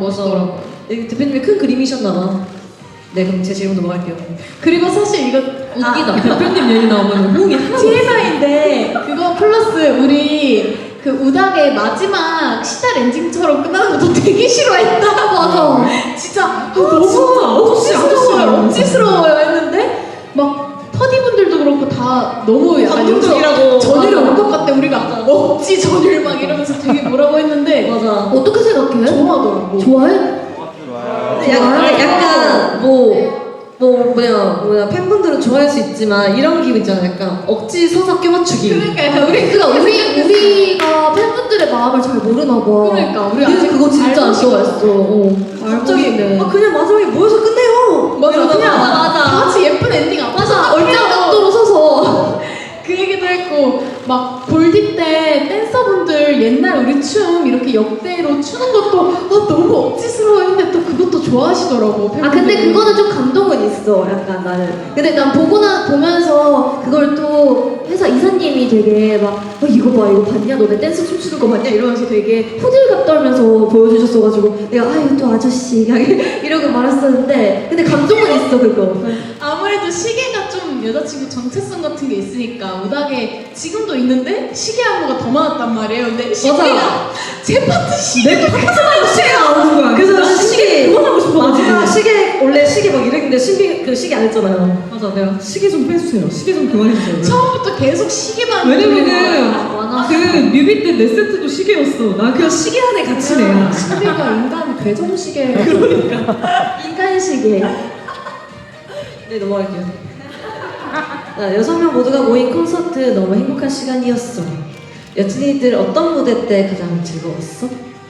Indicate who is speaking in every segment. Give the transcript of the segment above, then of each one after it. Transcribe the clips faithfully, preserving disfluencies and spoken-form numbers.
Speaker 1: 멋있더라고요.
Speaker 2: 네, 대표님이 큰 그림이셨나봐. 네, 그럼 제 질문 넘어갈게요.
Speaker 1: 그리고 사실 이거
Speaker 3: 웃기다. 대표님 얘기 나오면 호응이 하나도
Speaker 1: 티엠아이인데 그거 플러스 우리 그 우닥의 마지막 시달 엔딩처럼 끝나는 것도 되게 싫어했다. 맞아. 진짜 아, 너무
Speaker 3: 진짜
Speaker 1: 억지스러워요.
Speaker 3: 억지
Speaker 1: 억지스러워요 했는데 막 터디분들도 그렇고 다 너무 약간
Speaker 2: 감동적이라고.
Speaker 1: 전율이
Speaker 2: 맞아.
Speaker 1: 올 것 같대. 우리가 억지 전율 막 이러면서 되게 뭐라고 했는데
Speaker 2: 맞아.
Speaker 1: 어떻게 생각해? 좋아하더라고. 좋아해?
Speaker 2: 근데 약간, 약간 뭐, 뭐 뭐냐 뭐냐 팬분들은 좋아할 수 있지만 이런 기분 있잖아. 약간 억지 서사 껴맞추기.
Speaker 1: 그러니까 약간 우리
Speaker 4: 그러니까 우리 우리가 팬분들의 마음을 잘 모르나 봐.
Speaker 1: 그러니까 우리
Speaker 2: 우리는
Speaker 1: 아직
Speaker 2: 그거 진짜 안
Speaker 1: 알고
Speaker 2: 좋아했어. 어. 갑자기
Speaker 1: 알고는.
Speaker 2: 아 그냥 마지막에 모여서 끝내요.
Speaker 1: 맞아,
Speaker 2: 이러다가
Speaker 1: 그냥
Speaker 4: 맞아, 맞아.
Speaker 1: 다 같이 예쁜 엔딩 안
Speaker 4: 맞아. 얼짱 각도로 서서.
Speaker 1: 그 얘기도 했고 막 골디 때 댄서분들 옛날 우리 춤 이렇게 역대로 추는 것도 아, 너무 억지스러워 했는데 또 그것도 좋아하시더라고.
Speaker 4: 아 근데
Speaker 1: 팬분들이.
Speaker 4: 그거는 좀 감동은 있어. 약간 나는. 근데 난 보고 나 보면서 그걸 또 회사 이사님이 되게 막 어, 이거 봐 이거 봤냐 너네 댄스 춤추는 거 봤냐 이러면서 되게 호들갑 떨면서 보여주셨어가지고 내가 아유 또 아저씨 그냥 이러고 말았었는데 근데 감동은 있어 그거.
Speaker 1: 아무래도 시계가 좀 여자친구 정체성 같은 게 있으니까 우닥에 지금도 있는데 시계 안무가 더 많았단 말이에요. 근데 시계가 제 파트 시계
Speaker 3: 내 파트마다 시계가 나오는 거야.
Speaker 2: 그래서 나는 시계
Speaker 3: 그만하고 싶어.
Speaker 2: 마지막 시계 원래 시계 막 이랬는데 신비 그 시계 안 했잖아요.
Speaker 3: 맞아, 내가 시계 좀 빼주세요. 시계 좀 그만해주세요.
Speaker 1: 처음부터 계속 시계만
Speaker 3: 왜냐면은
Speaker 4: 많았어.
Speaker 3: 그 뮤비 때 내 세트도 시계였어. 나 그 시계 안에 같이 내야.
Speaker 1: 시계가 인간 괴정 시계.
Speaker 4: 인간 시계.
Speaker 2: 네 넘어갈게요. 자, 여섯 명 모두가 모인 콘서트 너무 행복한 시간이었어. 여친이들 어떤 무대 때 가장 즐거웠어?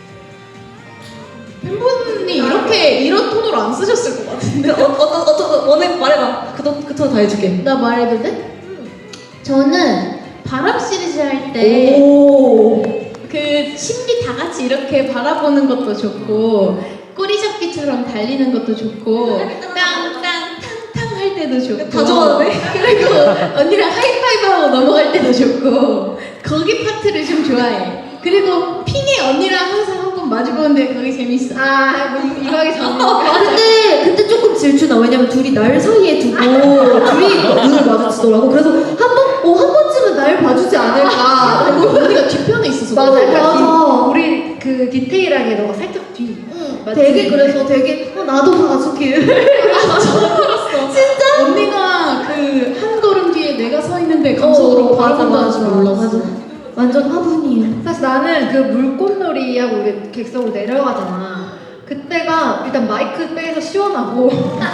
Speaker 1: 팬분이 이렇게 이런 톤으로 안 쓰셨을 것 같은데.
Speaker 2: 어, 어떤 어떤 원해 말해봐. 그톤그톤다 해줄게.
Speaker 1: 나 말해도 돼? 저는 바람 시리즈 할 때
Speaker 2: 오.
Speaker 1: 그 신비 다 같이 이렇게 바라보는 것도 좋고 꼬리잡기처럼 달리는 것도 좋고 땅땅 탕탕 할 때도 좋고
Speaker 2: 다 좋아하네.
Speaker 1: 그리고 언니랑 하이파이브하고 넘어갈 때도 좋고 거기 파트를 좀 좋아해. 그리고 핑이 언니랑 항상 한 번 마주보는데 거기 재밌어. 아 뭐 이- 이거 하기 전에
Speaker 4: 아 근데 그때 조금 질투나. 왜냐면 둘이 날 사이에 두고 둘이 눈을 마주치더라고. 그래서 한 번, 어, 한 번쯤은 날 봐주지 않을까.
Speaker 1: 그리고 언니가 뒤편에 있어서
Speaker 4: 맞아,
Speaker 1: 너무
Speaker 4: 맞아.
Speaker 1: 우리 그 디테일하게 너가 살짝 뒤. 맞지?
Speaker 4: 되게 그래서 되게 어, 나도 봐주길.
Speaker 1: 진짜? 언니가 그 한 걸음 뒤에 내가 서 있는데 감성으로
Speaker 4: 어, 맞아,
Speaker 1: 바라본다는 줄
Speaker 4: 맞아,
Speaker 1: 몰랐어.
Speaker 4: 맞아. 완전 화분이에요.
Speaker 5: 사실 나는 그 물꽃놀이하고 우리 객석으로 내려가잖아. 그때가 일단 마이크 빼서 시원하고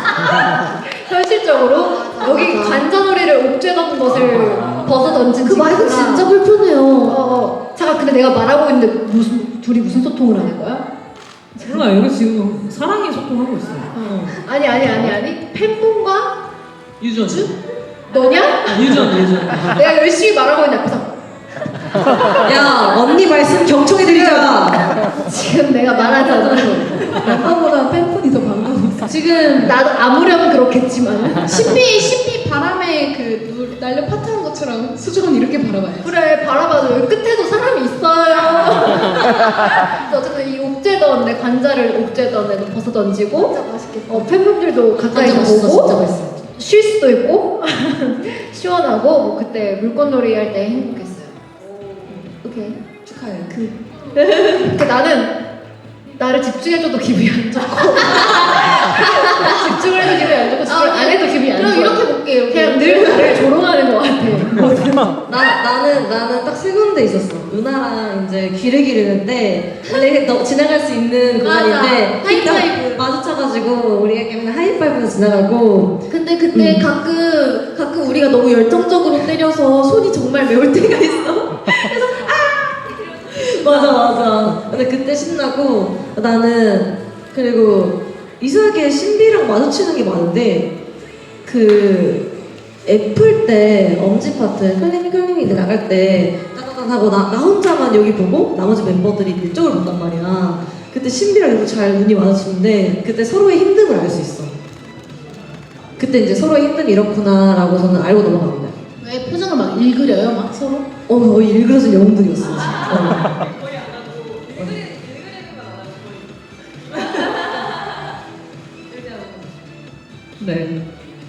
Speaker 5: 현실적으로 여기
Speaker 4: 맞아.
Speaker 5: 관자놀이를 옥죄던 것을 벗어 던진
Speaker 4: 그 마이크
Speaker 5: 친구가
Speaker 4: 진짜 불편해요.
Speaker 5: 어, 어. 잠깐 근데 내가 말하고 있는데 무슨 둘이 무슨 소통을 하는 거야?
Speaker 3: 몰라, 여기 지금 사랑의 소통하고 있어. 어.
Speaker 5: 아니 아니 아니 아니 팬분과
Speaker 3: 유전.
Speaker 5: 너냐?
Speaker 3: 아, 유전, 유전.
Speaker 5: 내가 열심히 말하고 있는데 앞에서
Speaker 2: 야 언니 말씀 경청해 드리자.
Speaker 5: 지금 내가 말하잖아.
Speaker 1: 아까보다 팬분이 더 반가웠어.
Speaker 4: 지금
Speaker 5: 나도 아무렴 그렇겠지만
Speaker 1: 신비 신비 바람에 그 누- 날려 파트한 것처럼 수정은 이렇게 바라봐야지.
Speaker 5: 그래 바라봐도 여기 끝에도 사람이 있어요. 그래서 어쨌든 이 옥죄던 내 관자를 옥죄던 애도 벗어 던지고
Speaker 4: 진짜 맛있겠다.
Speaker 5: 어, 팬분들도 가까이서
Speaker 2: 진짜 맛있어,
Speaker 5: 보고
Speaker 2: 진짜 맛있어.
Speaker 5: 쉴 수도 있고 시원하고 뭐 그때 물꽃놀이 할 때 행복했어요.
Speaker 4: 오케이.
Speaker 2: 축하해.
Speaker 5: 그 나는 나를 집중해줘도 기분이 안 좋고 집중을 해도 기분이 안 좋고 집중을 안 해도 기분이 안
Speaker 1: 그럼
Speaker 5: 좋아.
Speaker 1: 이렇게 볼게요.
Speaker 5: 그냥 늘 나를 조롱하는 것 같아.
Speaker 2: 나 나는 나는 딱 세 군데 있었어. 누나랑 이제 귀를 기르는데 원래 너 지나갈 수 있는
Speaker 1: 맞아.
Speaker 2: 공간인데
Speaker 1: 하이파이브.
Speaker 2: 딱 마주쳐가지고 우리가 그냥 하이파이브에서 지나가고.
Speaker 4: 근데 그때
Speaker 2: 음.
Speaker 4: 가끔 가끔 우리가 너무 열정적으로 때려서 손이 정말 매울 때가 있어.
Speaker 2: 맞아 맞아. 근데 그때 신나고 나는 그리고 이상하게 신비랑 마주치는 게 많은데 그 애플 때 엄지 파트 클리밍 클리밍 이제 나갈 때 따다단 하고 나, 나 혼자만 여기 보고 나머지 멤버들이 이쪽을 본단 말이야. 그때 신비랑 이렇게 잘 눈이 마주치는데 그때 서로의 힘듦을 알 수 있어. 그때 이제 서로의 힘듦이 이렇구나라고 저는 알고 넘어갑니다.
Speaker 1: 왜 표정을 막 읽으려요, 막 서로?
Speaker 2: 어, 거의 일그러진 영웅들이었어. 진짜.
Speaker 3: 네.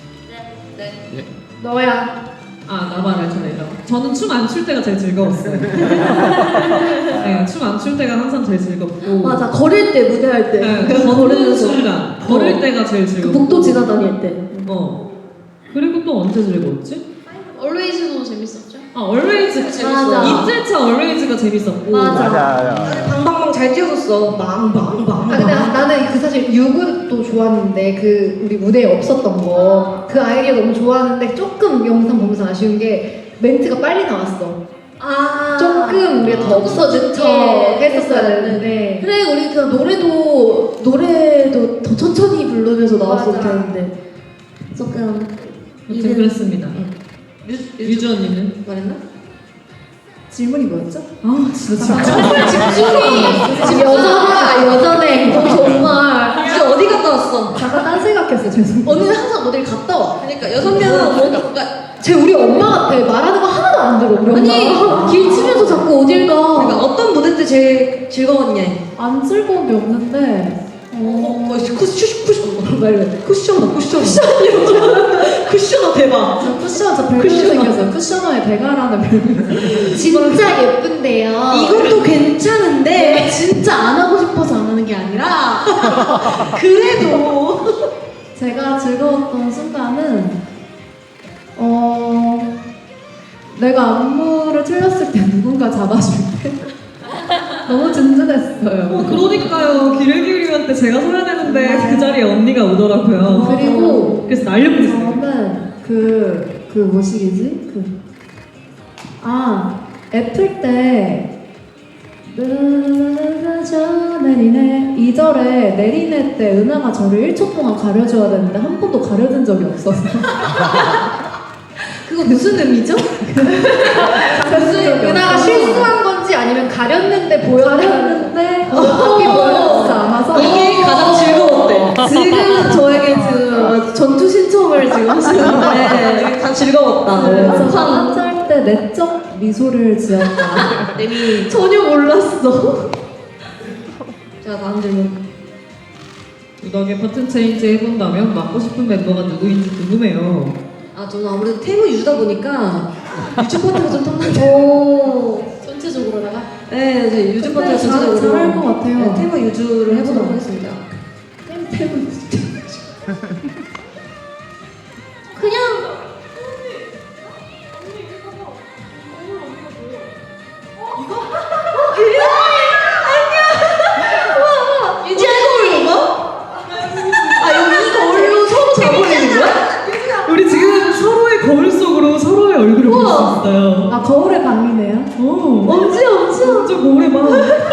Speaker 5: 너야.
Speaker 3: 아, 나 말할 차례다. 저는 춤 안 출 때가 제일 즐거웠어요. 네, 춤 안 출 때가 항상 제일 즐겁고.
Speaker 4: 맞아, 걸을 때, 무대할 때.
Speaker 3: 네,
Speaker 4: 그
Speaker 3: 걷는
Speaker 4: 걸으면서.
Speaker 3: 순간, 걸을
Speaker 4: 어.
Speaker 3: 때가 제일
Speaker 4: 그
Speaker 3: 즐겁고.
Speaker 4: 복도 지나다닐 때.
Speaker 3: 어. 그리고 또 언제 즐거웠지?
Speaker 1: Always도 재밌었죠?
Speaker 3: 아, Always.
Speaker 4: 맞아.
Speaker 3: 이틀차 Always가 재밌었고.
Speaker 4: 맞아.
Speaker 6: 맞아.
Speaker 2: 방방방 잘 뛰어줬어. 망방방.
Speaker 5: 아 근데 나는 그 사실 유굿도 좋았는데 그 우리 무대에 없었던 거 그 아이디어 너무 좋았는데 조금 영상 보면서 아쉬운 게 멘트가 빨리 나왔어.
Speaker 4: 아.
Speaker 5: 조금 우리가 더 없어지쳐 했었어야 되는데.
Speaker 4: 그래, 우리 그 노래도, 노래도 더 천천히 부르면서 나왔으면
Speaker 5: 맞아.
Speaker 4: 되는데. 조금.
Speaker 3: 아무튼 그랬습니다.
Speaker 2: 유,
Speaker 3: 유주 언니는?
Speaker 2: 말했나?
Speaker 4: 질문이 뭐였죠?
Speaker 3: 아, 진짜 진짜.
Speaker 5: 집중이 지금 여전하다 여전해.
Speaker 4: 정말.
Speaker 2: 이제 어디 갔다 왔어?
Speaker 5: 잠깐 딴 생각했어 죄송.
Speaker 1: 언니는 항상 어딜 갔다 와.
Speaker 2: 그러니까 여섯 명은 뭐,
Speaker 5: 쟤 우리 엄마 같아. 말하는 거 하나도 안 들어 우리
Speaker 4: 아니,
Speaker 5: 엄마.
Speaker 4: 길 치면서 자꾸 어딜 가.
Speaker 2: 그러니까 어떤 무대 때 제일 즐거웠냐?
Speaker 4: 안 즐거운 게 없는데.
Speaker 2: 어, 쿠션, 쿠션, 쿠션, 말해. 쿠션어, 쿠션. 쿠션이요. 쿠션어 대박.
Speaker 4: 저 쿠션, 저 별명 생겼어요. 쿠셔너의 대가라는 별명.
Speaker 1: 진짜 예쁜데요.
Speaker 4: 이것도 괜찮은데 진짜 안 하고 싶어서 안 하는 게 아니라 그래도 제가 즐거웠던 순간은 어 내가 안무를 틀렸을 때 누군가 잡아줄 때 너무 든든했어요.
Speaker 3: 어, 그러니까요. 길을 기울이면 때 제가 서야 되는데 그 자리에 언니가 오더라고요.
Speaker 4: 그리고
Speaker 3: 그래서 날려보냈어요.
Speaker 4: 저는 그, 그 뭐시기지? 그, 아, 애플 때, 르르르르 내리네. 이 절에 내리네 때 은하가 저를 일 초 동안 가려줘야 되는데 한 번도 가려준 적이 없어서. 그거 무슨 의미죠?
Speaker 5: 은하가 실수한 건지 아니면 가렸는데 보였다는
Speaker 4: 가렸는데,
Speaker 5: 그게 보였지 않아서
Speaker 2: 이게 가장 즐거웠대.
Speaker 4: 지금 저에게 지금 전투 신청을 지금 하시는데,
Speaker 2: 다 즐거웠다.
Speaker 4: 그래서 한짤 때 내적 미소를 지었다.
Speaker 2: 내미.
Speaker 4: 전혀 몰랐어.
Speaker 2: 자, 다음 질문.
Speaker 3: 이덕의 파트 체인지 해본다면 맡고 싶은 멤버가 누구인지 궁금해요.
Speaker 2: 아, 저는 아무래도 테이머 유주다 보니까 유주 파트가 좀 탐나죠.
Speaker 4: 오.
Speaker 1: 전체적으로다가
Speaker 2: 네, 이제 유주 파트가
Speaker 4: 잘-
Speaker 2: 전체적으로.
Speaker 4: 잘할 것 같아요.
Speaker 2: 네, 테이머 유주를 해보도록 하겠습니다.
Speaker 4: 그냥
Speaker 2: 유지 알고 뭐? 아, 여기 이거 얼로 서로 잡아버리는 거야?
Speaker 3: 우리 지금 서로의 거울 속으로 서로의 얼굴을 볼 수 있어요.
Speaker 4: 아 거울의 방이네요.
Speaker 3: 어.
Speaker 4: 엄지 엄지.
Speaker 3: 진짜 거울에 봐.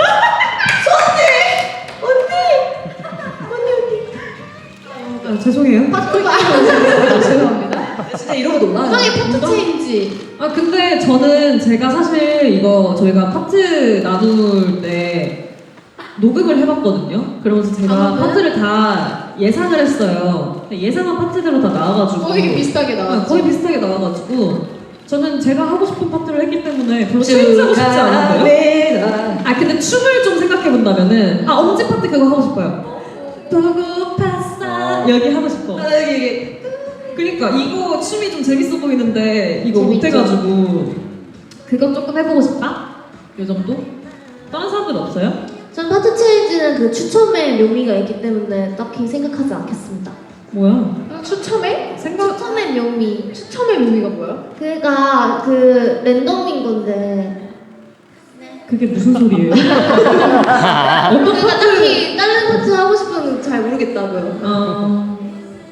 Speaker 3: 아, 죄송해요.
Speaker 1: 죄송합니다.
Speaker 2: 진짜 이러고 놀아.
Speaker 1: 형의 포트 체인지.
Speaker 3: 아 근데 저는 제가 사실 이거 저희가 파트 나눌 때 녹음을 해봤거든요. 그러면서 제가
Speaker 1: 아, 그래요?
Speaker 3: 파트를 다 예상을 했어요. 예상한 파트대로 다 나와가지고
Speaker 1: 거의 비슷하게
Speaker 3: 아,
Speaker 1: 나왔죠.
Speaker 3: 거의 비슷하게 나와가지고 저는 제가 하고 싶은 파트를 했기 때문에 별로 체인지하고 싶지 않은데요. 아 근데 춤을 좀 생각해 본다면은 아 엄지 파트 그거 하고 싶어요. 보고 봤어 여기 하고 싶어.
Speaker 2: 아, 여기, 여기.
Speaker 3: 그러니까 이거 춤이 좀 재밌어 보이는데 이거
Speaker 1: 재밌죠.
Speaker 3: 못해가지고 그건 조금 해보고 싶다? 요 정도? 다른 사람들 없어요?
Speaker 4: 전 파트 체인지는 그 추첨의 묘미가 있기 때문에 딱히 생각하지 않겠습니다.
Speaker 3: 뭐야?
Speaker 5: 추첨해?
Speaker 3: 생각
Speaker 4: 추첨의 묘미.
Speaker 5: 추첨의 의미가 뭐야?
Speaker 4: 그가 그 랜덤인 건데.
Speaker 3: 그게 무슨 소리예요? 어떤
Speaker 4: 그러니까
Speaker 3: 파트?
Speaker 4: 딱히 다른 파트 하고 싶은 건 잘 모르겠다고요.
Speaker 3: 어...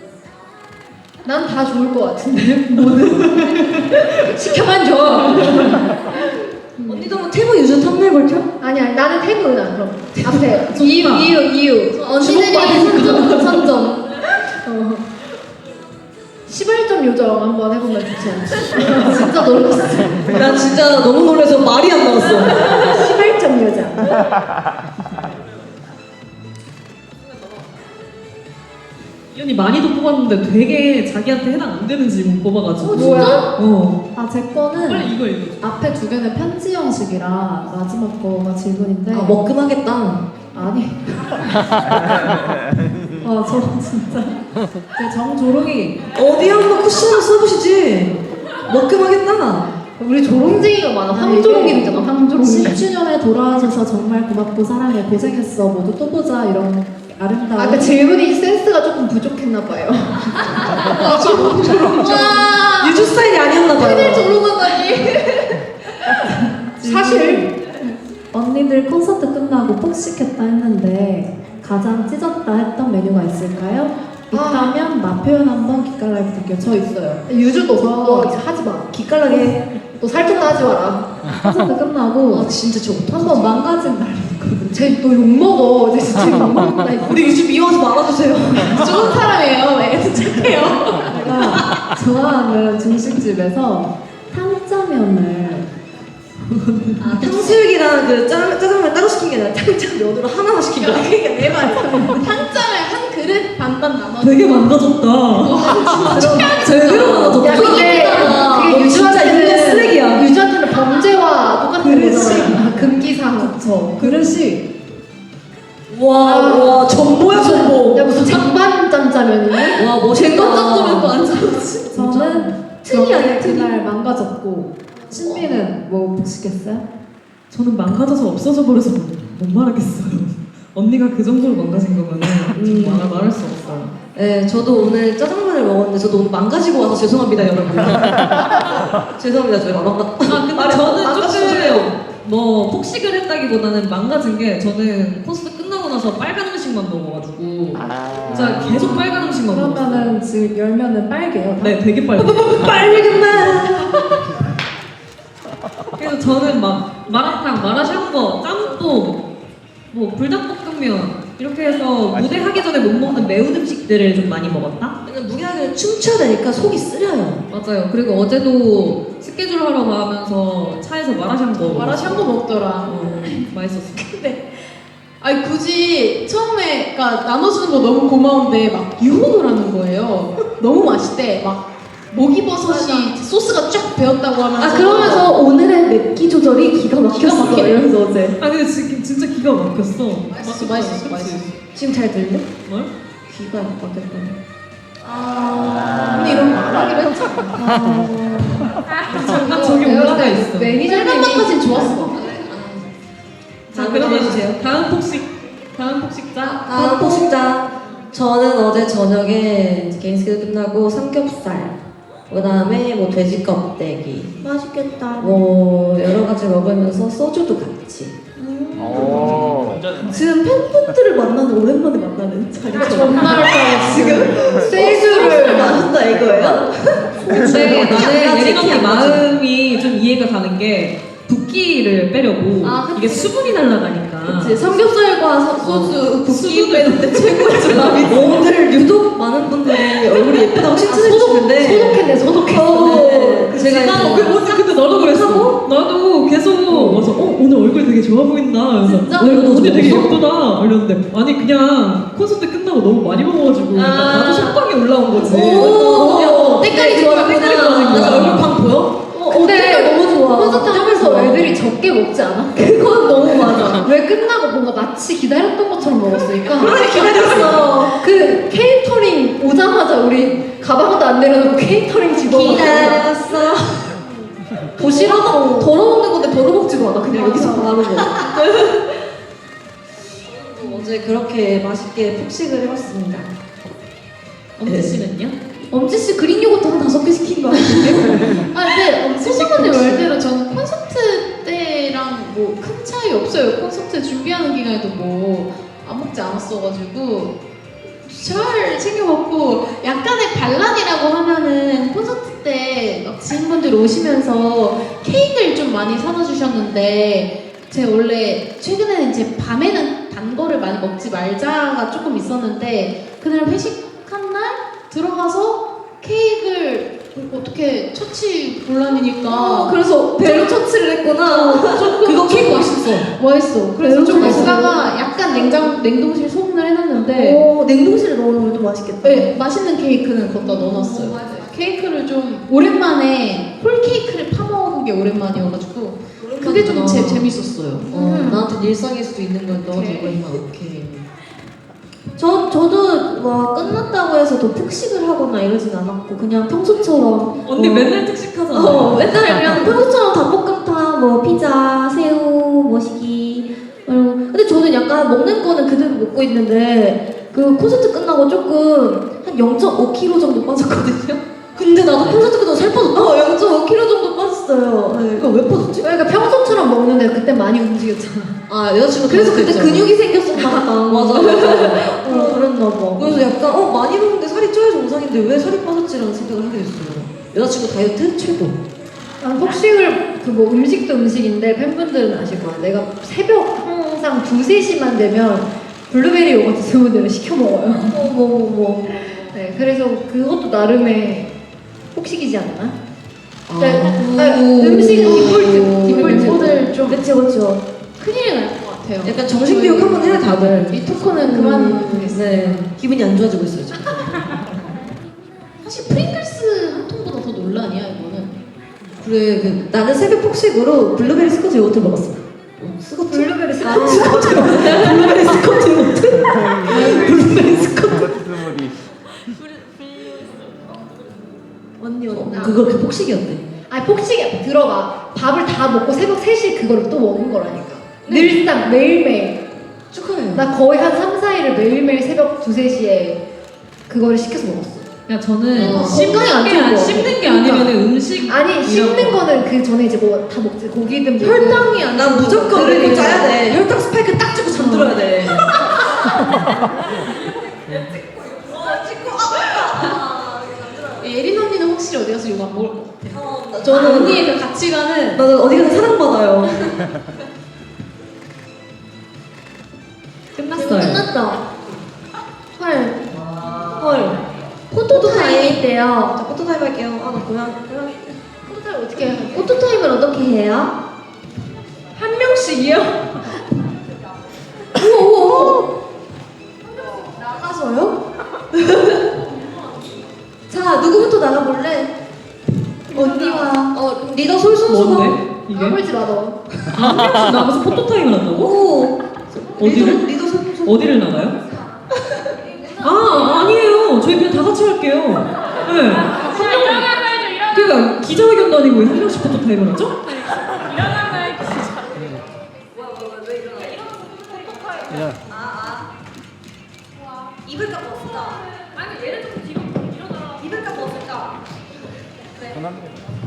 Speaker 5: 난 다 좋을 것 같은데 뭐는 시켜만 줘.
Speaker 2: 언니도 뭐 테이머 유주 탐낼 걸죠?
Speaker 5: 아니 아니 나는 태그 은하 그럼 앞에
Speaker 3: 좋다.
Speaker 5: 이유 이유 이유
Speaker 4: 언니들이 선점 선점.
Speaker 5: 십일 점 요정 한번 해보면 좋지 않지? 진짜 놀랐어.
Speaker 2: 나 진짜 너무 놀라서 말이 안 나왔어.
Speaker 5: 십일 점 요정.
Speaker 3: 이 언니 많이도 뽑았는데 되게 자기한테 해당 안 되는 질문 뽑아가지고
Speaker 5: 뭐야?
Speaker 3: 어.
Speaker 4: 아 제 거는
Speaker 3: 빨리 이거 읽어줘.
Speaker 4: 앞에 두 개는 편지 형식이라 마지막 거가 질문인데.
Speaker 2: 아, 먹금하겠다.
Speaker 4: 아니.
Speaker 3: 와, 저 진짜. 제 정조롱이.
Speaker 2: 어디 한번 쿠션을 써보시지. 먹금 하겠다.
Speaker 5: 우리 조롱쟁이가 많아. 황조롱이잖아. 황조롱이.
Speaker 6: 십 주년에 돌아와줘서 정말 고맙고 사랑해 고생했어 모두 또 보자 이런 아름다운
Speaker 5: 아까 질문이 센스가 조금 부족했나 봐요.
Speaker 1: 와
Speaker 2: 유주 스타일이 아니었나 봐요.
Speaker 1: 팬을 조롱하다니.
Speaker 5: 사실
Speaker 6: 언니들 콘서트 끝나고 폭식했다 했는데 가장 찢었다 했던 메뉴가 있을까요? 있다면 맛 표현 한번 기깔라이브 듣게요. 저 있어요.
Speaker 5: 유주도 너 이제 하지 마.
Speaker 2: 기깔나게.
Speaker 5: 너 살좀 하지 마라.
Speaker 6: 콘서트 끝나고
Speaker 2: 아 진짜 저
Speaker 6: 한번 망가진 날이 있거든요.
Speaker 5: 쟤너 욕먹어. 쟤 진짜 욕먹는다.
Speaker 2: 우리 유주 미워하지 말아주세요.
Speaker 1: 좋은 사람이에요. 애도 착해요.
Speaker 6: 제가 좋아하는 중식집에서 탕짜면을
Speaker 2: 아, 탕수육이랑 그 짜, 짜장면 따로 시킨 게 아니라 탕짜면으로 하나만 시킨 거야.
Speaker 1: 그러니까 내 말이야. 탕점에 한 그릇 반반 나눠.
Speaker 3: 되게 망가졌다. 제대로 망가졌다.
Speaker 5: 야 근데 그게
Speaker 2: 너 진짜 인간
Speaker 5: 유주한테는
Speaker 2: 쓰레기야.
Speaker 5: 유주한테는 범죄와 똑같은
Speaker 6: 그릇이.
Speaker 5: 거잖아. 금기사항.
Speaker 6: 저 그릇이
Speaker 2: 와, 와, 전보야, 전보.
Speaker 5: 야 무슨 장반 짬짜면이니?
Speaker 2: 와, 멋있다.
Speaker 1: 안 잡지.
Speaker 6: 저는
Speaker 2: 틀이 아니야, 틀이.
Speaker 6: 그날 망가졌고 신비는 뭐 복식했어요?
Speaker 3: 저는 망가져서 없어져 버려서 못, 못 말하겠어요. 언니가 그 정도로 망가진 거면은 좀 말아 말할 수 없어요.
Speaker 2: 네, 저도 오늘 짜장면을 먹었는데 저도 오늘 망가지고 와서 죄송합니다, 여러분. 죄송합니다, 저희가 망가.
Speaker 3: 아 근데
Speaker 2: 말이
Speaker 3: 저는
Speaker 2: 망가져요.
Speaker 3: 조금 뭐 폭식을 했다기보다는 망가진 게 저는 콘서트 끝나고 나서 빨간 음식만 먹어가지고 진짜 계속 빨간 음식만 먹었어요.
Speaker 6: 그러면은 지금 열면은 빨개요. 다?
Speaker 3: 네, 되게 빨개.
Speaker 2: 빨간 맛.
Speaker 3: 그래서 저는 막 마라탕, 마라샹궈, 짬뽕, 뭐 불닭볶음면 이렇게 해서 무대 하기 전에 못 먹는 매운 음식들을 좀 많이 먹었다.
Speaker 2: 왜냐면 무게하게 춤춰야 되니까 속이 쓰려요.
Speaker 3: 맞아요. 그리고 어제도 스케줄 하러 가면서 차에서 마라샹궈.
Speaker 1: 마라샹궈 먹더라.
Speaker 3: 어, 맛있었어.
Speaker 1: 근데 아니 굳이 처음에 그러니까 나눠주는 거 너무 고마운데 막 유혹을 하는 거예요. 너무 맛있대. 막 목이버섯이 소스가 쫙 배었다고 하면서
Speaker 4: 아 그러면서 오늘의 맵기 조절이 기가 막혔어
Speaker 1: 막히네.
Speaker 4: 이러면서 어제
Speaker 3: 아 근데 지금 진짜 기가 막혔어.
Speaker 1: 맛있어 맛있어 맛있어.
Speaker 2: 지금 잘 들려?
Speaker 3: 뭘?
Speaker 2: 귀가 막혔다니.
Speaker 1: 아 근데 이런 거 안 하기로 했잖아.
Speaker 3: 잠깐 저기 올라가 있어.
Speaker 5: 매니저님이
Speaker 1: 셀럽만까진 좋았어.
Speaker 3: 자
Speaker 2: 다음
Speaker 3: 그러면
Speaker 2: 해주세요.
Speaker 3: 다음 폭식 다음 폭식자.
Speaker 2: 다음 포식자. 저는 어제 저녁에 개인 스케줄 끝나고 삼겹살, 그 다음에 뭐 돼지 껍데기,
Speaker 4: 맛있겠다.
Speaker 2: 뭐 여러 가지 먹으면서 소주도 같이.
Speaker 4: 지금 팬분들을 만나는 오랜만에 만나는 자리처럼
Speaker 1: 정말
Speaker 2: 지금
Speaker 5: 세주를
Speaker 2: 마셨다 이거예요?
Speaker 3: 근데 나는
Speaker 2: 양아치,
Speaker 3: 예린 언니
Speaker 2: 양아치.
Speaker 3: 마음이 좀 이해가 가는 게 붓기를 빼려고
Speaker 4: 아, 그치.
Speaker 3: 이게 수분이 날아가니까.
Speaker 4: 그치, 삼겹살과 서- 소주 붓기 빼는데 최고의 조합이
Speaker 2: 오늘 유독 많은 분들이 얼굴이 예쁘다고 칭찬해 주시는데
Speaker 5: 소독했네 소독했어.
Speaker 2: 어,
Speaker 3: 제가
Speaker 2: 제가
Speaker 3: 나
Speaker 2: 이제
Speaker 3: 그 언니 근데 나도 그랬어. 나도 계속 와서 어 오늘 얼굴 되게 좋아 보인다. 그래서
Speaker 4: 진짜?
Speaker 3: 어, 언니 되게
Speaker 2: 좋았어?
Speaker 3: 예쁘다. 이랬는데 아니 그냥 콘서트 끝나고 너무 많이 먹어가지고 약간
Speaker 4: 아.
Speaker 3: 나도 속방에 올라온 거지.
Speaker 2: 오,
Speaker 4: 때깔이
Speaker 3: 좋아졌구나.
Speaker 2: 나 얼굴 방 보여?
Speaker 4: 어,
Speaker 5: 근데
Speaker 4: 너무 좋아.
Speaker 5: 콘서트 하면서 애들이 적게 먹지 않아?
Speaker 4: 그건 너무 맞아.
Speaker 5: 왜 끝나고 뭔가 마치 기다렸던 것처럼 먹었으니까.
Speaker 2: 그러니 기다렸어.
Speaker 5: 그 케이터링 오자마자 우리 가방도 안 내려놓고 케이터링 집어먹고
Speaker 2: 기다렸어.
Speaker 4: 도시락 덜어먹는 건데 덜어먹지도 않아. 그냥 여기서 바로 먹어.
Speaker 2: 어제 그렇게 맛있게 폭식을 해봤습니다.
Speaker 3: 엄지 씨는요?
Speaker 4: 엄지 씨 그린 요거트 한 다섯 개 시킨 거 같은데?
Speaker 1: 아 근데 소소언니 말대로 저는 콘서트 때랑 뭐 큰 차이 없어요. 콘서트 준비하는 기간에도 뭐 안 먹지 않았어가지고 잘 챙겨 먹고 약간의 반란이라고 하면은 콘서트 때 막 지인분들 오시면서 케이크를 좀 많이 사다 주셨는데 제가 원래 최근에는 이제 밤에는 단 거를 많이 먹지 말자가 조금 있었는데 그날 회식한 날 들어가서 케이크를 어떻게 처치 곤란이니까
Speaker 4: 어, 그래서 배로 처치를 했구나.
Speaker 2: 그거 케이크 맛있어.
Speaker 1: 맛있어. 그래서 좀
Speaker 4: 맛있어.
Speaker 1: 먹다가 약간 냉장 냉동실 소분을 해놨는데
Speaker 4: 오, 냉동실에 넣어놓으면 또 맛있겠다.
Speaker 1: 네, 맛있는 케이크는 거기다 넣어놨어요. 케이크를 좀 오랜만에 홀 케이크를 파 먹은 게 오랜만이어가지고 그게 좀 제, 재밌었어요.
Speaker 2: 어, 나한테 일상일 수도 있는 걸 넣어주고
Speaker 1: 오케이.
Speaker 2: 있나 오케이.
Speaker 4: 저, 저도 저는 와 끝났다고 해서 더 푹식을 하거나 이러진 않았고 그냥 평소처럼
Speaker 3: 언니
Speaker 4: 어,
Speaker 3: 맨날 특식하잖아.
Speaker 4: 어 맨날 그냥 평소처럼 닭볶음탕 뭐 피자 새우 머시기 그리고 근데 저는 약간 먹는 거는 그대로 먹고 있는데 그 콘서트 끝나고 조금 한 영 점 오 킬로그램 정도 빠졌거든요.
Speaker 2: 근데 나도 콘서트 끝나고 살 빠졌다.
Speaker 4: 어 영 점 오 킬로그램 정도 빠졌어요. 네.
Speaker 2: 그거 왜 빠졌지?
Speaker 5: 그러니까 평소처럼 먹는데 그때 많이 움직였잖아.
Speaker 2: 아 여자친구
Speaker 4: 그래서 그때
Speaker 2: 그랬잖아.
Speaker 4: 근육이 생겼었나 보다.
Speaker 2: 맞아 맞아.
Speaker 4: 어 그랬나 봐.
Speaker 2: 그래서 약간 어 많이 먹는데 살이 쪄야 정상인데 왜 살이 빠졌지라는 생각을 하게 됐어요. 여자친구 다이어트 최고.
Speaker 5: 난 폭식을 그 뭐 음식도 음식인데 팬분들은 아실 거야. 내가 새벽 항상 두세 시만 되면 블루베리 요거트 스무디를 시켜 먹어요.
Speaker 4: 어머머머.
Speaker 5: 네, 그래서 그것도 나름의 폭식이지 않나?
Speaker 2: 아.
Speaker 5: 네, 아, 음식은 디폴트, 디폴트.
Speaker 1: 멤버들 좀
Speaker 4: 그치 그쵸.
Speaker 1: 큰일이 날 것 같아요.
Speaker 2: 약간 정신 교육 한번 해야 다들.
Speaker 1: 이 토크는 그만 보겠습니다.
Speaker 2: 네. 기분이 안 좋아지고 있어요 지금.
Speaker 1: 사실 프링글스 한 통보다 더 논란이야 이거는.
Speaker 2: 그래 그 나는 새벽 폭식으로 블루베리 스커트 요거트 먹었어. 어, 스커트?
Speaker 5: 블루베리
Speaker 2: 아,
Speaker 5: 스무디.
Speaker 2: 스커트 블루베리 스커트 요거트? 블루베리 스커트.
Speaker 7: 스무디.
Speaker 4: 언니 언니.
Speaker 2: 어, 그거 그 폭식이었대.
Speaker 5: 아니 폭식이 들어가. 밥을 다 먹고 새벽 세 시에 그거를 또 먹은 거라니까. 늘상 매일매일.
Speaker 2: 축하해요.
Speaker 5: 나 거의 한 삼, 사 일을 매일매일 새벽 두세 시에 그거를 시켜서 먹었어.
Speaker 3: 야 저는
Speaker 4: 어,
Speaker 3: 씹는
Speaker 4: 건강에 안
Speaker 3: 게
Speaker 4: 좋은
Speaker 3: 아니-
Speaker 4: 거
Speaker 3: 씹는 게 아니면 음식
Speaker 5: 아니 씹는 거는 그 전에 이제 뭐 다 먹지. 고기든 뭐든.
Speaker 4: 혈당이 안
Speaker 2: 난 무조건 그거 짜야 돼. 혈당 스파이크 딱 찍고 잠들어야 돼.
Speaker 1: 예린 언니는 확실히 어디 가서 욕 안 먹을 것 같아.
Speaker 2: 저는
Speaker 1: 언니의 그 가치관은
Speaker 2: 나는 어디 가서 사랑받아요.
Speaker 3: 끝났어요.
Speaker 4: 끝났다. 헐.
Speaker 2: 헐.
Speaker 4: 포토 타임이 있대요.
Speaker 2: 자 포토 타임 할게요. 아나 고양 고양.
Speaker 5: 포토타임 어떻게 해야 돼?
Speaker 4: 포토 타임을 어떻게 해요?
Speaker 5: 한 명씩이요?
Speaker 4: 우와 우와 우와. 나가서요? 자 누구부터 나가볼래? 언니와
Speaker 2: 어 리더 솔선수범.
Speaker 3: 뭔데? 이게?
Speaker 5: 까불지 마 너.
Speaker 3: 한 명씩 나가서 포토타임을 한다고?
Speaker 4: 오.
Speaker 3: 어디를?
Speaker 2: 리더 리더 솔선수범.
Speaker 3: 어디를 나가요? 아 아니에요. 저희 그냥 다 같이 할게요. 네. 한 명. 그러니까 기자회견도 아니고 왜 한 명씩 포토타임을 하죠?
Speaker 7: 야.
Speaker 2: 입을 값 없을까? 아니 얘를 좀 뒤로 일어나. 입을 값 없을까?
Speaker 7: 전화는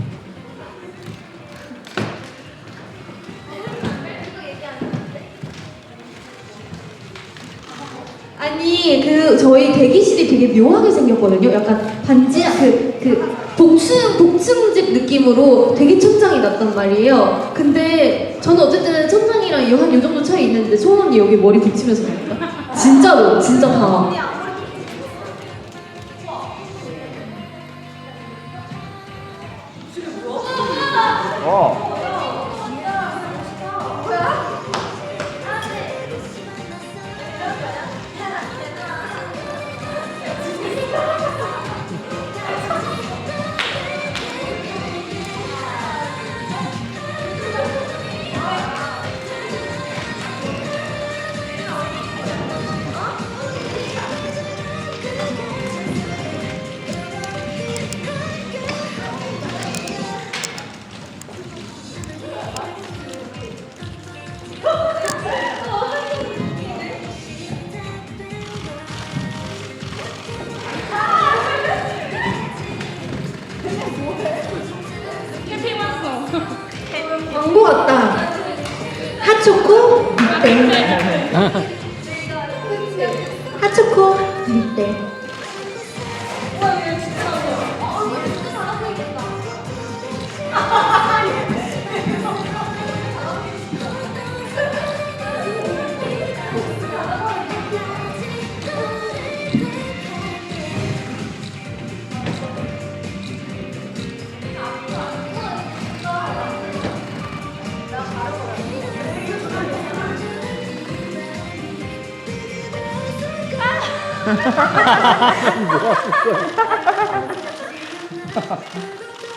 Speaker 4: 아니 그 저희 대기실이 되게 묘하게 생겼거든요. 약간 반지 그그 복층 복층집 느낌으로 되게 천장이 났단 말이에요. 근데 저는 어쨌든 천장이랑 한 요 정도 차이 있는데 소원 언니 여기 머리 붙이면서 나니까 진짜로 진짜 다.
Speaker 7: 어.
Speaker 5: 광고 같다. 핫초코 빅뱅. 핫초코 빅뱅.
Speaker 7: 뭐야, 진짜.